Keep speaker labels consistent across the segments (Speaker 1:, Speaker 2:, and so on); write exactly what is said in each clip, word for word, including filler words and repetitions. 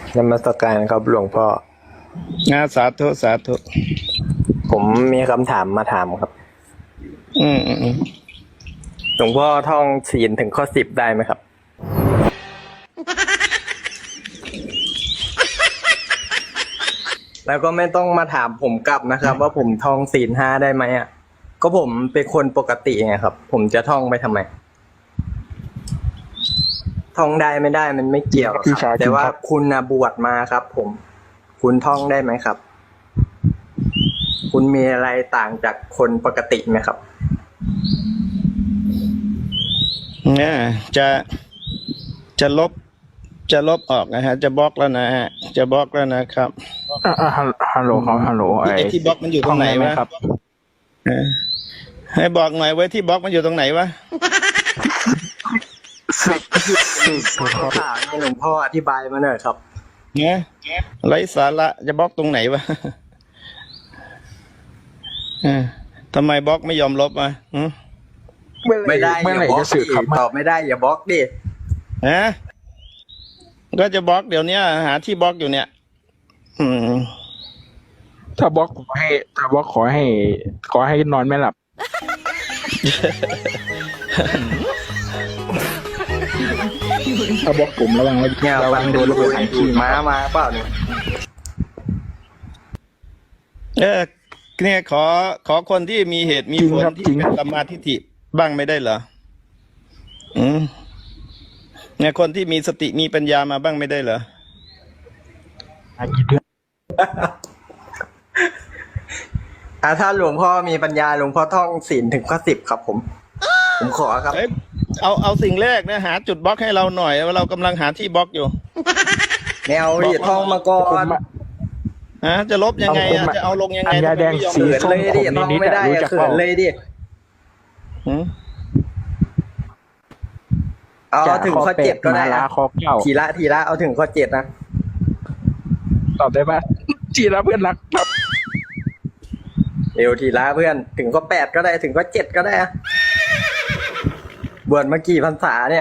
Speaker 1: นมัสการครับหลวงพ่อ
Speaker 2: งาสาธุสาธุ
Speaker 1: ผมมีคำถามมาถามครับ
Speaker 2: อืมอืม
Speaker 1: หลวงพ่อท่องศีลถึงข้อสิบได้ไหมครับ แล้วก็ไม่ต้องมาถามผมกลับนะครับ ว่าผมท่องศีลห้าได้ไหมอ่ะ ก็ผมเป็นคนปกติไงครับ ผมจะท่องไปทำไม ท่องได้ไม่ได้มันไม่เกี่ยวครับแต่ว่าคุณนะบวชมาครับ ผม คุณท่องได้ไหมครับ คุณมีอะไรต่างจากคนปกติไหมครับ
Speaker 2: เนี่ยจะจะลบจะลบออกนะฮะ จะบล็อกแล้วนะฮะ จะบล็อกแล้วนะครับ
Speaker 3: อ่าอ่าฮัลโหลครับฮัลโหลไอ้
Speaker 2: ไอ้ที่บล็อกมันอยู่ตรงไหนวะ
Speaker 3: ครับ
Speaker 2: เออให้บอกหน่อยไว้ที่บล็อกมันอยู่ตรงไหนวะ
Speaker 3: สิบสิบ
Speaker 1: ถามให้หลวงพ่ออธิบายมาหน่อยครับ
Speaker 2: เนี่ยไร้สาระจะบล็อกตรงไหนวะเออทำไมบล็อกไม่ยอมลบอ่ะหืม
Speaker 1: ไม่ได้
Speaker 3: เมื่อไหร่
Speaker 1: อย่าบล็
Speaker 3: จะ
Speaker 1: อก
Speaker 3: สึกครับ
Speaker 1: ตอบไม่ได้อย่าบล็อกดิ
Speaker 2: ฮะก็จะบล็อกเดี๋ยวนี้หาที่บล็อกอยู่เนี่ย อืม
Speaker 3: ถ้าบล็อกขอให้ถ้าบล็อกขอให้ ขอให้นอนไม่หลับ ถ้าบล็อกผมระวังไว้
Speaker 1: เนี่ย
Speaker 3: ระวั
Speaker 1: ฟั
Speaker 3: ง
Speaker 1: ง
Speaker 3: โด
Speaker 1: ดู
Speaker 3: นระเบิ
Speaker 1: ดู
Speaker 3: ดไอ้
Speaker 1: ขี่
Speaker 3: ที่
Speaker 1: ม้ามาเปล่าเนี่ย
Speaker 2: เออเนี่ยขอขอคนที่มีเหตุมีผลที่เป็นสัมมาทิฏฐิบ้างไม่ได้เหรออืมเนี่ยคนที่มีสติมีปัญญามาบ้างไม่ได้เหรอ
Speaker 3: อากี่เดือน
Speaker 1: อ่ะถ้าหลวงพ่อมีปัญญาหลวงพ่อท่องศีลถึงข้อสิบครับ ผม ผมขอครับ
Speaker 2: เอ้ยเอาเอาสิ่งแรกนะหาจุดบล็อกให้เราหน่อยว่าเรากำลังหาที่บล็อกอยู่
Speaker 1: แนวดิท่องมาก่อ
Speaker 3: ผม
Speaker 1: น
Speaker 3: อะ
Speaker 2: ฮะจะลบยังไง
Speaker 3: เอาผม
Speaker 2: อะ
Speaker 3: อะ
Speaker 2: จะเอาลงยังไง
Speaker 3: อัญญาแดง
Speaker 2: ทำไมไม่ยอม
Speaker 3: สี
Speaker 1: เขินเลยดิท่องไม่ได้
Speaker 3: รู้
Speaker 1: อะ
Speaker 3: จัก
Speaker 1: เขิ
Speaker 3: เปล่า
Speaker 1: นเลยดิ
Speaker 2: หืม
Speaker 1: เอาเอาถึงข้อเจ็ดก็ได้
Speaker 3: มาลา
Speaker 1: นะ
Speaker 3: คอเก้า
Speaker 1: ทีละทีละเอาถึงข้อเจ็ดนะ
Speaker 3: ตอบได้ปะจีระเพื่อนรักครับ
Speaker 1: เร็วทีละเพื่อนถึงข้อแปดก็ได้ถึงข้อเจ็ดก็ได้อะบวชมากี่พรรษาเนี่ย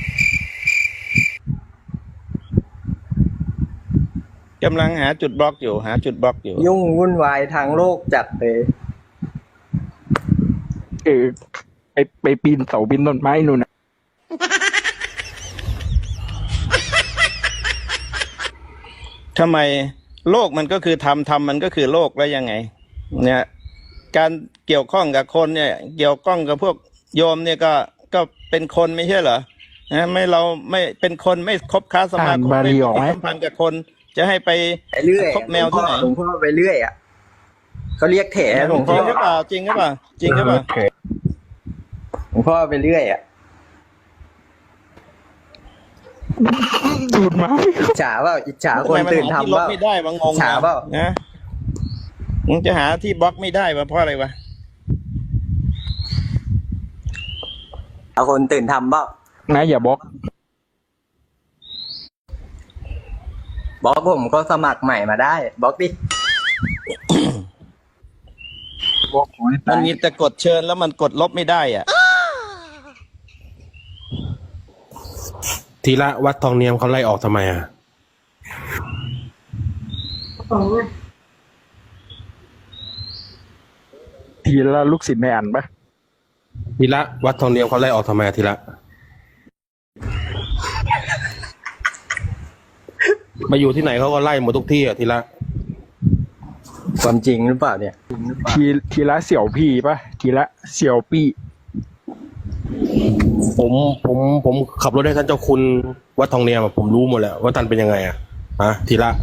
Speaker 2: กำลังหาจุดบล็อกอยู่ หาจุดบล็อกอยู่
Speaker 1: ยุ่งวุ่นวายทางโลกจัดเลย
Speaker 3: เออไปไปปีนเสาปีนต้นไม้นู่นนะ
Speaker 2: ทำไมโลกมันก็คือธรรมธรรมมันก็คือโลกแล้วยังไง เนี่ย การเกี่ยวข้องกับคนเนี่ย เกี่ยวข้องกับพวกโยมเนี่ยก็ก็เป็นคนไม่ใช่เหรอนะไม่เราไม่เป็นคนไม่คบค้าสมา
Speaker 3: อ่าน
Speaker 2: คม
Speaker 3: บา
Speaker 2: ไม่
Speaker 3: ลีออกไหม
Speaker 2: สัมพันธ์กับคนจะให้ไป
Speaker 1: ไปเรื่อย
Speaker 2: คบแมวที่ไหน
Speaker 1: หลวงพ่อไปเรื่อยอ่ะเขาเรียกแถหลวง
Speaker 2: จ
Speaker 1: พ่
Speaker 2: ริ
Speaker 1: อง
Speaker 2: หรือเปล่าจริงหรือเปล่าจริงหรือเปล่า
Speaker 1: หลวงพ่อไปเรื่อยอ่ะ
Speaker 3: ดูดมาไม่
Speaker 1: อิจฉาเปล่าอิจฉาคนตื่นทำ
Speaker 2: ที่ล
Speaker 1: เป
Speaker 2: บ
Speaker 1: ล่า
Speaker 2: ไม่ได้วะงง
Speaker 1: ฉาเปล่า
Speaker 2: นะมึงจะหาที่บล็อกไม่ได้วะเพราะอะไรวะ
Speaker 1: เอาคนตื่นทำเปล่า
Speaker 3: นะอย่าบล็อก
Speaker 1: บล็อกผมก็สมัครใหม่มาได้บล็อกดิ
Speaker 3: บล็อกขอให้
Speaker 2: มั
Speaker 3: ตาน ย
Speaker 2: มีแต่กดเชิญแล้วมันกดลบไม่ได้อ่ะ
Speaker 4: ทีละวัดทองเนียมเขาไล่ออกทำไมอ่ะ
Speaker 3: ทีละลูกศิษย์ในอันปะ
Speaker 4: ทีละวัดทองเนียมเขาไล่ออกทำไมอะทีละมาอยู่ที่ไหนเขาก็ไล่หมดทุกที่อ่ะทีละ
Speaker 1: ความจริงหรือเปล่าเนี่ย
Speaker 3: ทีทีละเสี่ยวพี่ปะทีละเสี่ยวปี้
Speaker 4: ผมผมผมขับรถให้ท่านเจ้าคุณวัดทองเนียมอะผมรู้หมดแล้วว่าท่านเป็นยังไงอ่ะฮะทีละ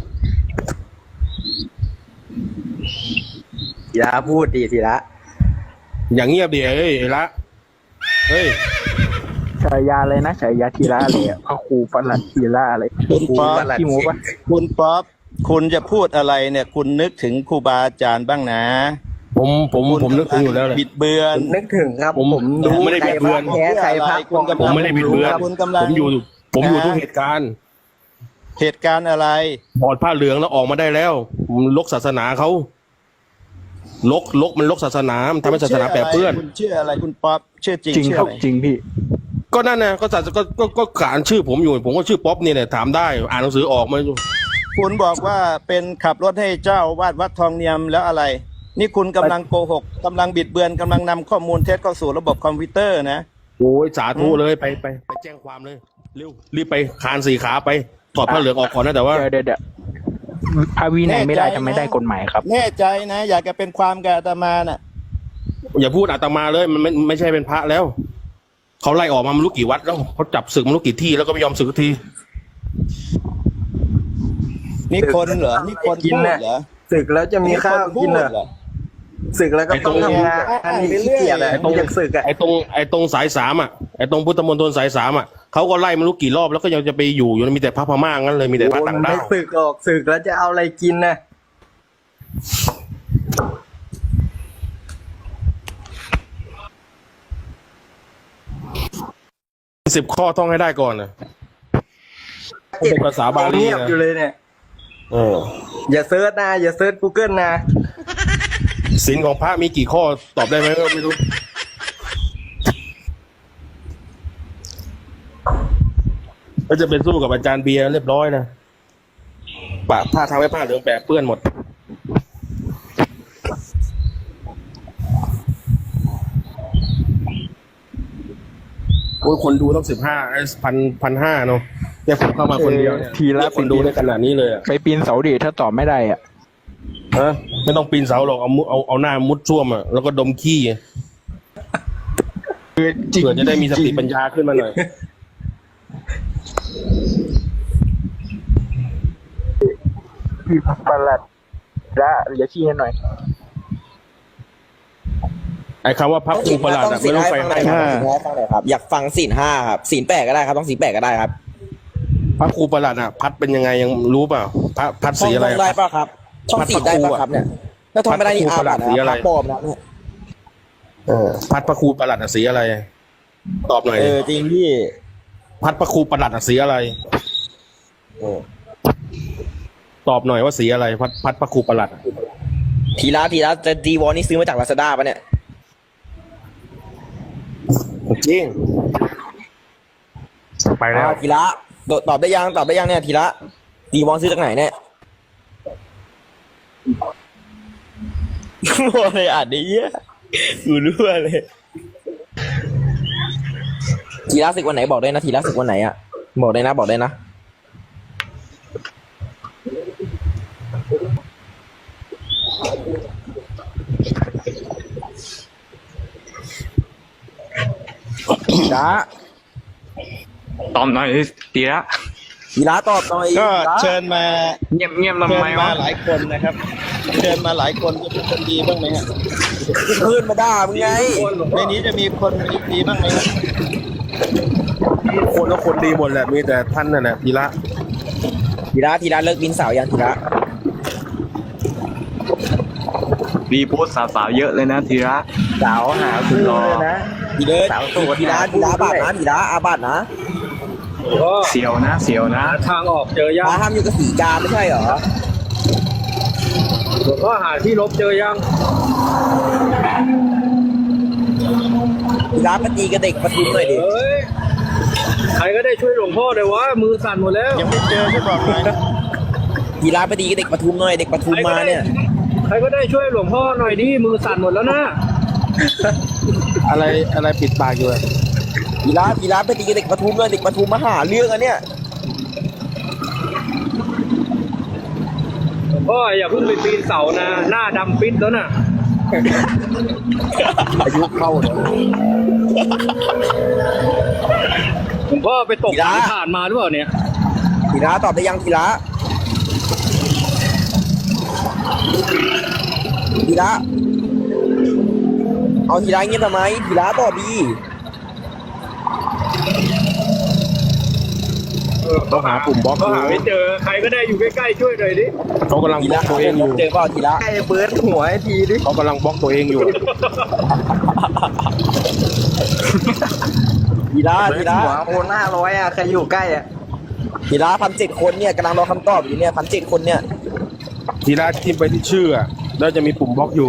Speaker 1: ทีละพูดดีทีละ
Speaker 4: อย่างเงียบดิเอ้ยไอ้ละเฮ้ย
Speaker 3: ฉายาเลยนะฉายาทีละอะไรอะพระครูประหลัดทีละอะไร
Speaker 2: คุณ
Speaker 3: ครู
Speaker 2: ป๊อป
Speaker 3: ประหลัดขี้หมูปะ
Speaker 2: คุณป๊อปคุณจะพูดอะไรเนี่ย คุณนึกถึงครูบาอาจารย์บ้างนะ
Speaker 4: ผมผม
Speaker 2: คุณ
Speaker 4: ผมนึกถึงอยู่แล้วเลย
Speaker 2: บิดเบือน
Speaker 1: นึกถึงครับ
Speaker 4: ผม
Speaker 1: ผม
Speaker 4: ผมไม่ได้
Speaker 1: ใคร
Speaker 4: บิดเบือน
Speaker 1: พระแท้ใครพระปลอม
Speaker 4: ผมไม่ได้บิดเบือน
Speaker 2: คุณกำลัง
Speaker 4: ผมอยู่ ผมอยู่ทุกเหตุการณ์
Speaker 2: เหตุการณ์อะไร
Speaker 4: ถอดผ้าเหลืองแล้วออกมาได้แล้วผมลกศาสนาเขาลกลกมันลกศาสนามันทำให้ศาสนาแปรเปื้อน
Speaker 2: คุณชื่ออะไรคุณป๊อปชื่อจริง
Speaker 3: จริง
Speaker 2: ชื่อ
Speaker 3: ครับ
Speaker 2: อะไร
Speaker 3: จริงพี่
Speaker 4: ก็นั่นนะก็ศาสก็ก็ก็ขานชื่อผมอยู่ ผมก็ชื่อป๊อปนี่แหละถามได้ อ่านหนังสือออกมา
Speaker 2: คุณบอกว่าเป็นขับรถให้เจ้าวาดวัดทองเนียมแล้วอะไร นี่คุณกำลังโกหกกำลังบิดเบือนกำลังนำข้อมูลเท็จเข้าสู่ระบบคอมพิวเตอร์นะ
Speaker 4: โอ้ยสาธุเลยไปไปไปแจ้งความเลยเร็วรีบไปคานสี่ขาไปถอดผ้าเหลืองออกก่อนนะแต่ว่า
Speaker 3: เดี๋ยวเดี๋ยวเดี๋ยวพระวินัยไม่ได้ทำไม่ได้กฎหมายครับ
Speaker 2: แน่ใจนะ อยากจะเป็นความกับอาตมาน่ะ
Speaker 4: อย่าพูดอาตมาเลยมันไม่ไม่ใช่เป็นพระแล้วเขาไล่ออกมาไม่รู้กี่วัดแล้วเขาจับศึกไม่รู้กี่ที่แล้วก็ไม่ยอมศึกสักที
Speaker 2: นี่คนเหรอนี่คน
Speaker 1: กิน
Speaker 2: พูด
Speaker 1: น่ะ
Speaker 2: เหรอ
Speaker 1: ศึกแล้วจะมีข้าวกินเหรอศึกแล้วก็ต้องทำงานอันนี้ขี้เกียจอะต้องอยากศึกอะ
Speaker 4: ไอ้ตรงไอ้ตรงสายสามอ่ะไอ้ตรงพุทธมณฑลสายสามอ่ะเขาก็ไล่ไม่รู้กี่รอบแล้วก็ยังจะไปอยู่อยู่มีแต่พระพม่างั้นเลยมีแต่พระต่าง
Speaker 1: ไม่
Speaker 4: ด้าว
Speaker 1: ศึกหรอกศึกแล้วจะเอาอะไรกินนะ
Speaker 4: สิบข้อต้องให้ได้ก่อนนะเป็นภาษาบาลี
Speaker 1: เงียบ
Speaker 4: นะ
Speaker 1: อยู่เลยเนี่ย
Speaker 4: เออ
Speaker 1: อย่าเซิร์ชนะอย่าเซิร์ช Google นะ
Speaker 4: ศีลของพระมีกี่ข้อตอบได้ไหมก็ไม่รู้ก็จะเป็นสู้กับอาจารย์เบียร์เรียบร้อยนะปะผ้าทำให้ผ้าเหลืองแปะเปื้อนหมดโอ้ยคนดูต้องสิบห้าพันพันห้าเนาะแค่ผมเข้ามาคนเดียวเนี่ย
Speaker 3: ทีละ
Speaker 4: เรียกคนดูได้ขนาดนี้เลยอะ
Speaker 3: ไปปีนเสาดิถ้าตอบไม่ได้อ่ะ
Speaker 4: ฮะไม่ต้องปีนเสาหรอกเอามุเอาเอาหน้ามุดช่วมอ่ะแล้วก็ดมขี้อะ
Speaker 3: คือจริง
Speaker 4: เผื่อจะได้มีสติปัญญาขึ้นมาหน่อย
Speaker 3: พี่ประหลัดละเหลือที่ให้หน่อย
Speaker 4: ไอ้คำว่าพับครูประหลาดอะไม่ต้องไปให้
Speaker 5: ฟังหน่อยครับฟังหน่อยครับอยากฟังศีลห้าครับศีลแปดก็ได้ครับต้องศีลแปดก็ได้ครับ
Speaker 4: พับครูประหลาดอะพัดเป็นยังไงยังรู้เปล่าพัดพัด
Speaker 5: ท่อ
Speaker 4: สี
Speaker 5: ง
Speaker 4: อะไร
Speaker 5: ท่องได้ป่ะครับท่องศีลได้ป่ะครับเนี่ยถ้าท่องไม่ได้นี่อาบัตินะ
Speaker 4: สีอะไร
Speaker 5: พระปลอมนะเนี่ย
Speaker 4: เออพัดพระครูประหลาดอะสีอะไร ตอบหน่อย
Speaker 5: เออจริงพี่
Speaker 4: พัดพระครูประหลาดอะสีอะไรเออตอบหน่อยว่าสีอะไร พัดพัดพระครูประหลาดอะ
Speaker 5: ทีละทีละจะดีวอนี่ซื้อมาจากลาซาด้าป่ะเนี่ย
Speaker 4: จริงไปแล้ว
Speaker 5: อ่าทีละตอบได้ยังตอบได้ยังเนี่ยทีละดีวอนซื้อจากไหนเนี่ยรัวเลยอ่านได้เยอะกูรัวเลยทีละศึกวันไหนบอกได้นะทีละศึกวันไหนอ่ะบอกได้นะบอกได้นะทีละ
Speaker 3: ตอบหน่อยทีละ
Speaker 5: ทีละตอบหน่อย
Speaker 2: ก็
Speaker 5: ทีละ
Speaker 2: เชิญมา
Speaker 3: เงียบเงียบทำ
Speaker 2: เชิ
Speaker 3: ไม
Speaker 2: ญมาว
Speaker 3: ะ
Speaker 2: หลายคนนะครับ เชิญมาหลายคนจะเป็นคนดีบ้างไหมฮะ
Speaker 5: ขึ้นมาด่ามึงไง
Speaker 2: ในนี้จะมีคนดีบ้างไหมครับ
Speaker 4: คนก็คนดีหมดแหละมีแต่ท่านนั่นแหละทีละ
Speaker 5: ทีละทีละเลิกบินเสายังทีละ
Speaker 3: มีโพสต์สาวๆเยอะเลยนะทีละ
Speaker 1: สาวหาคุณรอ
Speaker 5: ทีเลิศ
Speaker 1: สาวโสด
Speaker 5: ทีละทีละบาทนะทีละอาบาทนะ
Speaker 3: เสียวนะเสียวนะ
Speaker 6: ทางออกเจอยาก
Speaker 5: มาห้ามอยู่กับสีกาไม่ใช่เหรอ
Speaker 6: หลวงพ่อหาที่ลบเจอยัง
Speaker 5: ทีละปฏิกับเด็กปทุมหน่อยดิ
Speaker 6: เฮ้ย ใครก็ได้ช่วยหลวงพ่อเลยวะ มือสั่นหมดแล้ว
Speaker 2: ยังไม่เจอที่บอกหน่อย
Speaker 5: ทีละปฏิกับเด็กปทุมหน่อยเด็กปทุมมาเนี่ย
Speaker 6: ใครก็ได้ช่วยหลวงพ่อหน่อยดิ มือสั่นหมดแล้วนะ
Speaker 4: อะไรอะไรปิดปากอยู่อะ
Speaker 5: ทีละทีละปฏิกับเด็กปทุมหน่อยเด็กปทุมมาหาเรื่องอันเนี่ย
Speaker 6: หลวงพ่ออย่าเพิ่งไปปีนเสานะ หน้าดำปิดแล้วน่ะ
Speaker 4: อายุเข้าเนี่ย
Speaker 6: หลวงพ่อไปตกสายผ่านมาหรือเปล่าเนี่ย
Speaker 5: ทีละตอบได้ยังทีละทีละเอาทีละเงียบทำไมทีละตอบดี
Speaker 4: ต้องหาปุ่มบล็อก
Speaker 6: ก็
Speaker 4: ดู
Speaker 6: หาไม่เจอ ใครก็ได้อยู่ใกล้ๆช่วยหน่อยดิ
Speaker 4: เขากำลัง
Speaker 5: ที
Speaker 4: บล็
Speaker 5: ละ
Speaker 4: อกตัวเองอยู่
Speaker 5: เจอเปล่าทีละ
Speaker 1: ใกล้เบิร์ดหัวไอ้ทีดิ
Speaker 4: เขากำลังบล็อกตัวเองอยู่
Speaker 5: ทีละ
Speaker 1: เบิ
Speaker 5: ที
Speaker 1: ร์ด
Speaker 5: ละ
Speaker 1: หัวโอนห้าร้อยอ่ะใครอยู่ใกล้อ่ะ
Speaker 5: ทีละพันเจ็ดคนเนี่ยกำลังรอคำตอบอยู่เนี่ยพันเจ็ดคนเนี่ย
Speaker 4: ทีละทิมไปที่ชื่ออะแล้วจะมีปุ่มบล็อกอยู่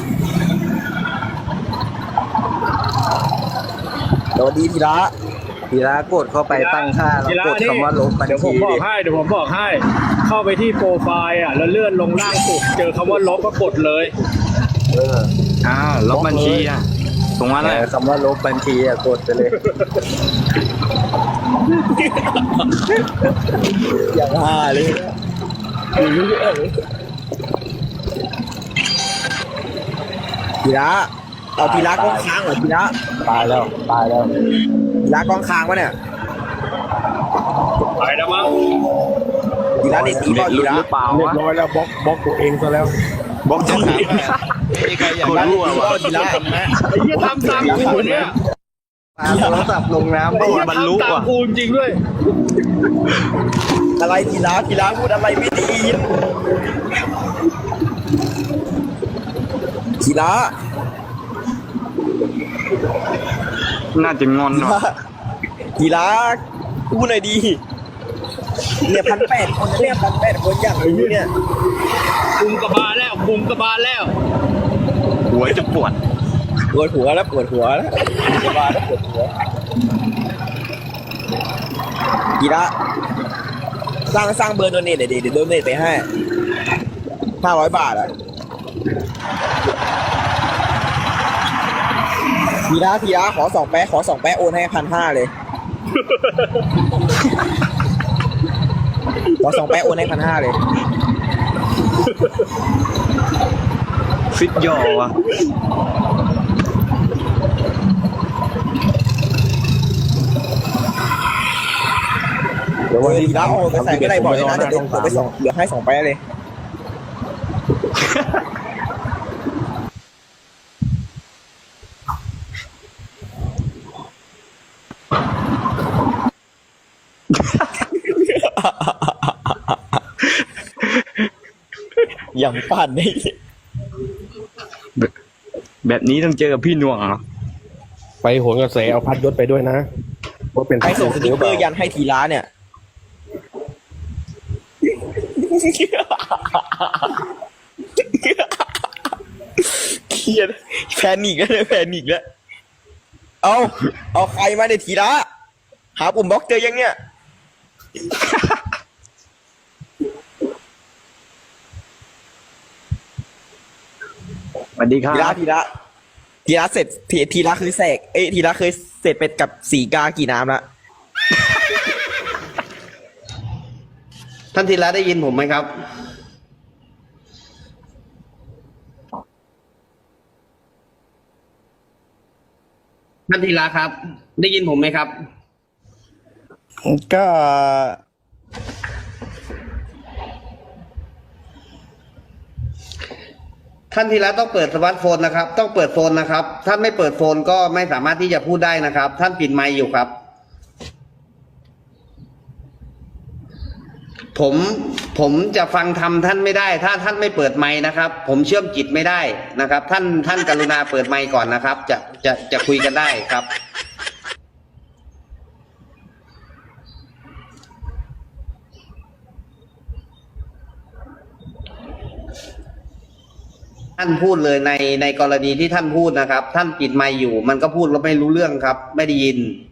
Speaker 5: สวัสดีทีละ
Speaker 1: ทีละกดเข้าไปตั้งค่าแล้วกดคำว่าลบบัญ
Speaker 6: เดี๋ยวผม
Speaker 1: ชี
Speaker 6: บอ
Speaker 1: ดิ
Speaker 6: กให้เดี๋ยวผมบอกให้ เข้าไปที่โปรไฟล์อ่ะแล้วเลื่อนลงล่างสุดเจอคำว่าลบก็กดเลย
Speaker 1: เออ
Speaker 7: อ้าวลบบัญชีอ่ะตรงนั้นแหละ
Speaker 1: เออคำว่าลบบัญชีอะกดไปเลย
Speaker 5: อย่างห่าเลยทีละเอาทีละกล้องค้างเหรอทีละ
Speaker 3: ตายแล้วตายแล้ว
Speaker 5: ทีละกล้องค้างวะเนี่ย
Speaker 6: ไปแล้วมั้ง
Speaker 5: ทีละนี่ที
Speaker 7: เด็
Speaker 5: ละ
Speaker 7: ด
Speaker 5: ที
Speaker 7: ลุ้น
Speaker 5: ละ
Speaker 7: หรือเปล่า
Speaker 3: เรียบ
Speaker 7: วะ
Speaker 3: ร้อยแล้วบล็อกบล็อกตัวเองซะแล้ว
Speaker 2: บอกจะถามว่ามีใครอยาก
Speaker 7: คน
Speaker 2: ได้
Speaker 7: รั่ว
Speaker 2: ที่
Speaker 7: วะ
Speaker 2: ว่าทีละไหม
Speaker 6: ไอ้เหี้ยทำตามกูเนี่ย
Speaker 1: ปาโทรศัพท์ลงน้ำ
Speaker 6: ไอ้
Speaker 1: บ้า
Speaker 6: เหี้ย
Speaker 7: บรรลุ
Speaker 6: ทำตาม
Speaker 7: ว่ะ
Speaker 6: กูจริงๆด้วย
Speaker 5: อะไรทีละทีละพูดอะไรไม่ดีทีละ
Speaker 7: น่าจะงอน
Speaker 5: ที
Speaker 7: หน่อ
Speaker 5: ละ
Speaker 7: ย
Speaker 5: ทีละพูดหน่อยดีเนี่ยพันแปดคนนะเนี่ยพันแปดคนอย่างนี้เนี่ย
Speaker 6: คุมกระบาลแล้วคุมกระบาลแล้ว
Speaker 7: หัวจะปวด
Speaker 5: ปวดหัวแล้วปวดหัวแล้วสบายแล้วปวดหัวทีละสร้างสร้างเบอร์โดเนทหน่อยดิเดี๋ยวโดเนทไปให้ห้าร้อยบาทอ่ะทีละทีละขอสองแป๊ะขอสองแป๊ะโอนให้พันห้าเลยขอสองแป๊ะโอนให้พันห้าเลย
Speaker 7: ฟิตย่อวะ
Speaker 5: เดี๋ยววันนี้ละโอนไปใส่ก็ได้บอกเลยนะเดี๋ยวเดี๋ยวไปส่งเดี๋ยวให้สองแป๊ะเลย อย่างปั่นนี่
Speaker 7: แบบนี้ต้องเจอกับพี่หน่วงเหรอ
Speaker 4: ไปโหนกระแสเอาพัดยศไปด้วยนะว่าเป็น
Speaker 5: ใครส่งสติ๊กเกอร์ยันให้ทีละเนี่ยเครียดแพนิกแล้วเนี่ยแพนิกแล้วเอาเอาใครมาในทีละหาปุ่มบล็อกเจอยังเนี่ย
Speaker 7: สวัสดีครั
Speaker 5: ทีละ
Speaker 7: บ
Speaker 5: ทีละทีละเสร็จทีทีละคือแสกเอ้ยทีละเคยเสร็จเป็ดกับสีกากี่น้ำละ
Speaker 8: ท่านธีระได้ยินผมไหมครับ ท่านธีระครับ ได้ยินผมไหมครับ
Speaker 2: ก็
Speaker 8: ท่านธีระต้องเปิดสมาร์ทโฟนนะครับ ต้องเปิดโฟนนะครับ ท่านไม่เปิดโฟนก็ไม่สามารถที่จะพูดได้นะครับ ท่านปิดไมค์อยู่ครับ ผมผมจะฟังทำท่านไม่ได้ ถ้าท่านไม่เปิดไมค์นะครับ ผมเชื่อมจิตไม่ได้นะครับ ท่านท่านกรุณาเปิดไมค์ก่อนนะครับ จะจะจะคุยกันได้ครับ ท่านพูดเลยในในกรณีที่ท่านพูดนะครับ ท่านปิดไมค์อยู่ มันก็พูดแล้วไม่รู้เรื่องครับ ไม่ได้ยิน